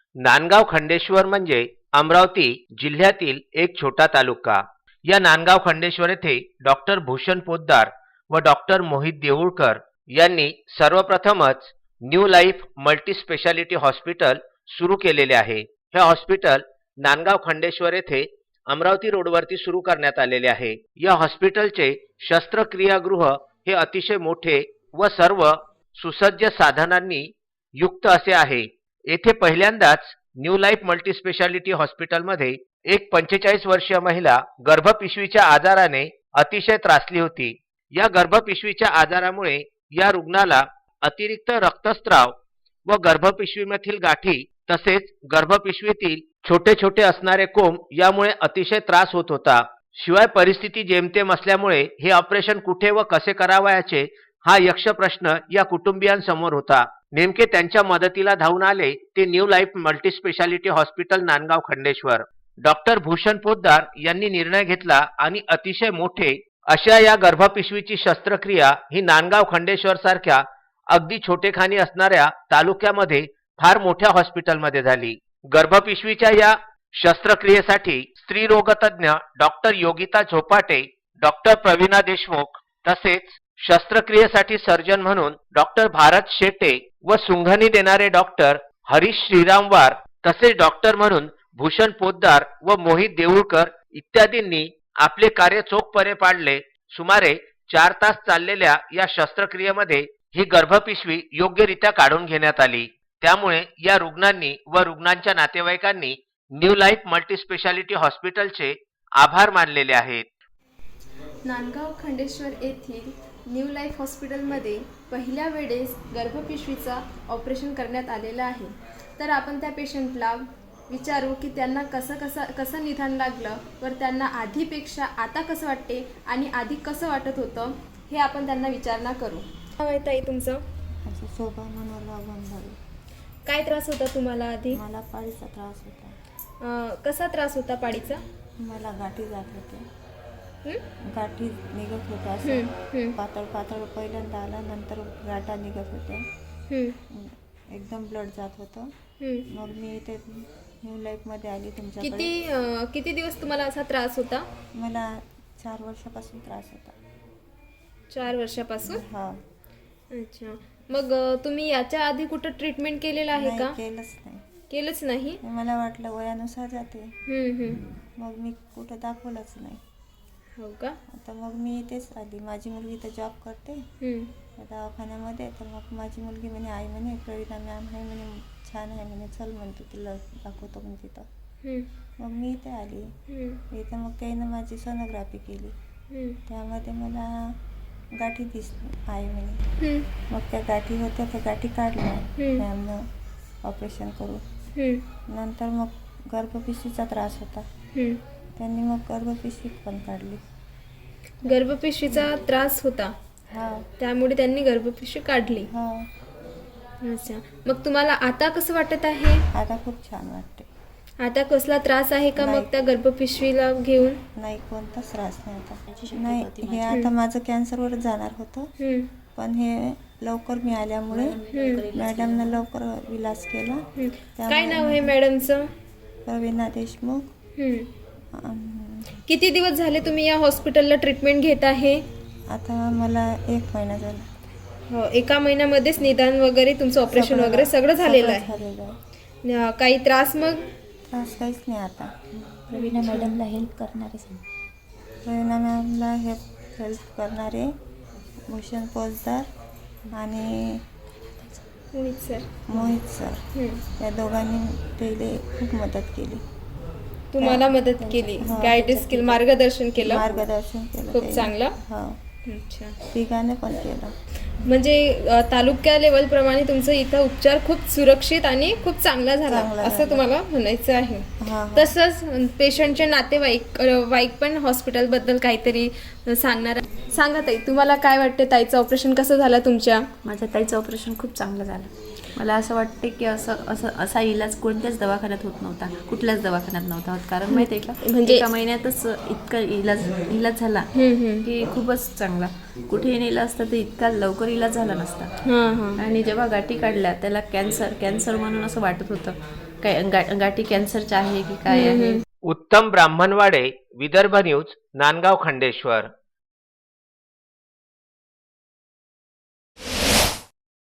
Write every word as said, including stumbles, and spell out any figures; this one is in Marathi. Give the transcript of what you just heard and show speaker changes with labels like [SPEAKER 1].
[SPEAKER 1] नांदगाव खंडेश्वर म्हणजे अमरावती जिल्ह्यातील एक छोटा तालुका. या नांदगाव खंडेश्वर येथे डॉक्टर भूषण पोद्दार व डॉक्टर मोहित देऊळकर यांनी सर्वप्रथमच new life multi speciality hospital सुरू केलेले आहे. हे हॉस्पिटल नांदगाव खंडेश्वर येथे अमरावती रोडवरती सुरू करण्यात आलेले आहे. या हॉस्पिटलचे शस्त्रक्रियागृह हे अतिशय मोठे व सर्व सुसज्ज साधनांनी युक्त असे आहे. येथे पहिल्यांदाच न्यू लाईफ मल्टी स्पेशालिटी हॉस्पिटलमध्ये एक पंचेचाळीस वर्षीय महिला गर्भपिशवीच्या आजाराने अतिशय त्रासली होती. या गर्भपिशवीच्या आजारामुळे या रुग्णाला अतिरिक्त रक्तस्राव व गर्भपिशवीमधील गाठी तसेच गर्भपिशवीतील छोटे छोटे असणारे कोंब यामुळे अतिशय त्रास होत होता. शिवाय परिस्थिती जेमतेम असल्यामुळे हे ऑपरेशन कुठे व कसे करावयाचे हा यक्ष प्रश्न या कुटुंबियांसमोर होता. नेमके त्यांच्या मदतीला धावून आले ते new life multi speciality hospital Nandgaon Khandeshwar. Doctor Bhushan Poddar यांनी निर्णय घेतला आणि अतिशय मोठे अशा या गर्भपिशवीची शस्त्रक्रिया ही नांदगाव खंडेश्वर सारख्या अगदी छोटेखानी असणाऱ्या तालुक्यामध्ये फार मोठ्या हॉस्पिटलमध्ये झाली. गर्भपिशवीच्या या शस्त्रक्रियेसाठी स्त्री रोगतज्ञ डॉक्टर योगिता झोपाटे, डॉक्टर प्रवीणा देशमुख तसेच शस्त्रक्रियेसाठी सर्जन म्हणून डॉक्टर भारत शेटे व सुंघणी देणारे डॉक्टर हरीश श्रीरामवार तसेच डॉक्टर म्हणून भूषण पोद्दार व मोहित देऊळकर इत्यादींनी आपले कार्य चोखपणे पाडले. सुमारे चार तास चाललेल्या या शस्त्रक्रियेमध्ये ही गर्भपिशवी योग्यरित्या काढून घेण्यात आली. त्यामुळे या रुग्णांनी व रुग्णांच्या नातेवाईकांनी न्यू लाईफ मल्टी स्पेशालिटी हॉस्पिटलचे आभार मानलेले आहेत.
[SPEAKER 2] नांदगाव खंडेश्वर येथील न्यू लाईफ हॉस्पिटलमध्ये पहिल्या वेळेस गर्भपिशवीचा ऑपरेशन करण्यात आलेलं आहे. तर आपण त्या पेशंटला विचारू की त्यांना कसं कसं कसं निदान लागलं व त्यांना आधीपेक्षा आता कसं वाटते आणि आधी कसं वाटत होतं हे आपण त्यांना विचारणा करू. काय ताई तुमचं?
[SPEAKER 3] माझं शोभा मनोहरला गोंधळी.
[SPEAKER 2] काय त्रास होता तुम्हाला आधी?
[SPEAKER 3] मला पाळीचा त्रास होता.
[SPEAKER 2] अं, कसा त्रास होता पाळीचा?
[SPEAKER 3] मला गाठी जात होते.
[SPEAKER 2] हं?
[SPEAKER 3] गाठी निघत होत्या
[SPEAKER 2] हं,
[SPEAKER 3] असं
[SPEAKER 2] हं,
[SPEAKER 3] पातळ पातळ पहिल्यांदा आला, नंतर गाठा निघत होत्या.
[SPEAKER 2] हं,
[SPEAKER 3] एकदम ब्लड जात होतं.
[SPEAKER 2] हं.
[SPEAKER 3] मग मी इथे न्यू लाईफमध्ये आली तुमच्याकडे.
[SPEAKER 2] किती अं, किती दिवस तुम्हाला असा त्रास होता?
[SPEAKER 3] मला चार वर्षापासून त्रास होता.
[SPEAKER 2] चार वर्षापासून?
[SPEAKER 3] हा.
[SPEAKER 2] अच्छा. मग अं, तुम्ही याच्या आधी कुठं ट्रीटमेंट केलेलं आहे
[SPEAKER 3] नाही,
[SPEAKER 2] का?
[SPEAKER 3] केलंच नाही.
[SPEAKER 2] केलंच नाही?
[SPEAKER 3] मला वाटलं वयानुसार जाते.
[SPEAKER 2] हं, हं.
[SPEAKER 3] मग मी कुठं दाखवलंच नाही.
[SPEAKER 2] हो का?
[SPEAKER 3] आता मग मी इथेच आली. माझी मुलगी तर जॉब करते
[SPEAKER 2] हं.
[SPEAKER 3] दवाखान्यामध्ये. तर मग माझी मुलगी म्हणे आई म्हणे प्रवीणा मॅम आहे म्हणे, छान आहे म्हणे, चल म्हणतो तिला दाखवतो म्हणजे तिथं.
[SPEAKER 2] हं,
[SPEAKER 3] मग मी इथे आली.
[SPEAKER 2] हं,
[SPEAKER 3] इथं मग त्यानं माझी सोनोग्राफी केली.
[SPEAKER 2] हं,
[SPEAKER 3] त्यामध्ये मला गाठी दिसली आई म्हणे.
[SPEAKER 2] हं,
[SPEAKER 3] मग त्या गाठी होत्या, त्या गाठी काढल्या
[SPEAKER 2] हं.
[SPEAKER 3] मॅमनं ऑपरेशन करून.
[SPEAKER 2] हं,
[SPEAKER 3] नंतर मग गर्भपिशवीचा त्रास होता,
[SPEAKER 2] हं.
[SPEAKER 3] त्यांनी मग गर्भपिशवी पण काढली.
[SPEAKER 2] गर्भपिशवीचा त्रास होता
[SPEAKER 3] हा
[SPEAKER 2] त्यामुळे त्यांनी गर्भपिशवी काढली.
[SPEAKER 3] हा.
[SPEAKER 2] अच्छा. मग तुम्हाला आता कसं वाटत आहे?
[SPEAKER 3] आता खूप छान वाटते.
[SPEAKER 2] आता कसला त्रास आहे का मग
[SPEAKER 3] नाही.
[SPEAKER 2] त्या गर्भपिशवीला घेऊन?
[SPEAKER 3] नाही, कोणताच त्रास नाही आता. नाही, हे आता माझं कॅन्सरवर जाणार होतं,
[SPEAKER 2] हं,
[SPEAKER 3] पण हे लवकर मी आल्यामुळे
[SPEAKER 2] हं,
[SPEAKER 3] मॅडमनं लवकर इलाज केला.
[SPEAKER 2] हं.
[SPEAKER 3] त्यामुळे
[SPEAKER 2] काय नाव आहे मॅडमचं?
[SPEAKER 3] प्रवीणा देशमुख.
[SPEAKER 2] हं.
[SPEAKER 3] अं,
[SPEAKER 2] किती दिवस झाले तुम्ही या हॉस्पिटलला ट्रीटमेंट घेत आहे?
[SPEAKER 3] आता मला एक महिना झाला.
[SPEAKER 2] हो, एका महिन्यामध्येच निदान वगैरे तुमचं ऑपरेशन वगैरे सगळं झालेलं
[SPEAKER 3] सगळं
[SPEAKER 2] आहे.
[SPEAKER 3] झालेलं आहे.
[SPEAKER 2] न- काही त्रास मग?
[SPEAKER 3] त्रास काहीच नाही आता.
[SPEAKER 4] प्रवीणा मॅडमला हेल्प करणारे सांग.
[SPEAKER 3] प्रवीणा मॅमला हेल्प हेल्प करणारे भूषण पोद्दार आणि
[SPEAKER 2] मोहित सर.
[SPEAKER 3] मोहित सर
[SPEAKER 2] हं.
[SPEAKER 3] या दोघांनी पहिले खूप मदत केली.
[SPEAKER 2] तुम्हाला मदत केली,
[SPEAKER 3] हो.
[SPEAKER 2] गायडन्स केलं, मार्गदर्शन केलं.
[SPEAKER 3] मार्गदर्शन केलं
[SPEAKER 2] खूप
[SPEAKER 3] त्यांनी.
[SPEAKER 2] चांगलं.
[SPEAKER 3] हो,
[SPEAKER 2] अच्छा.
[SPEAKER 3] तिघांनी पण केलं.
[SPEAKER 2] म्हणजे अ, तालुक्या लेवल प्रमाणे तुमचं इथं उपचार खूप सुरक्षित आणि खूप चांगला झाला
[SPEAKER 3] चांगला
[SPEAKER 2] असं
[SPEAKER 3] झाला.
[SPEAKER 2] तुम्हाला म्हणायचं आहे.
[SPEAKER 3] हा, हा.
[SPEAKER 2] तसंच पेशंटचे नातेवाईक अ, वाईक पण हॉस्पिटलबद्दल काहीतरी सांगणार. सांगा ताई, तुम्हाला काय वाटते ताईचं ऑपरेशन कसं झालं तुमच्या?
[SPEAKER 4] माझ्या ताईचं ऑपरेशन खूप चांगलं झालं. मला असं वाटते की असं असं असा इलाज कोणत्याच दवाखान्यात होत नव्हता, कुठल्याच दवाखान्यात नव्हता होत. कारण माहिती आहे का,
[SPEAKER 2] म्हणजे-
[SPEAKER 4] एका महिन्यातच इतका इलाज इलाज झाला
[SPEAKER 2] हम्म, हम्म.
[SPEAKER 4] की खूपच चांगला. कुठेही नेलं असतं तर इतका लवकर इलाज झाला नसता.
[SPEAKER 2] हां हां.
[SPEAKER 4] आणि जेव्हा गाठी काढल्या त्याला कॅन्सर कॅन्सर म्हणून असं वाटत होतं, काय गा- गाठी कॅन्सरच्या आहे की काय आहे.
[SPEAKER 1] उत्तम ब्राह्मणवाडे, विदर्भ न्यूज, नांदगाव खंडेश्वर.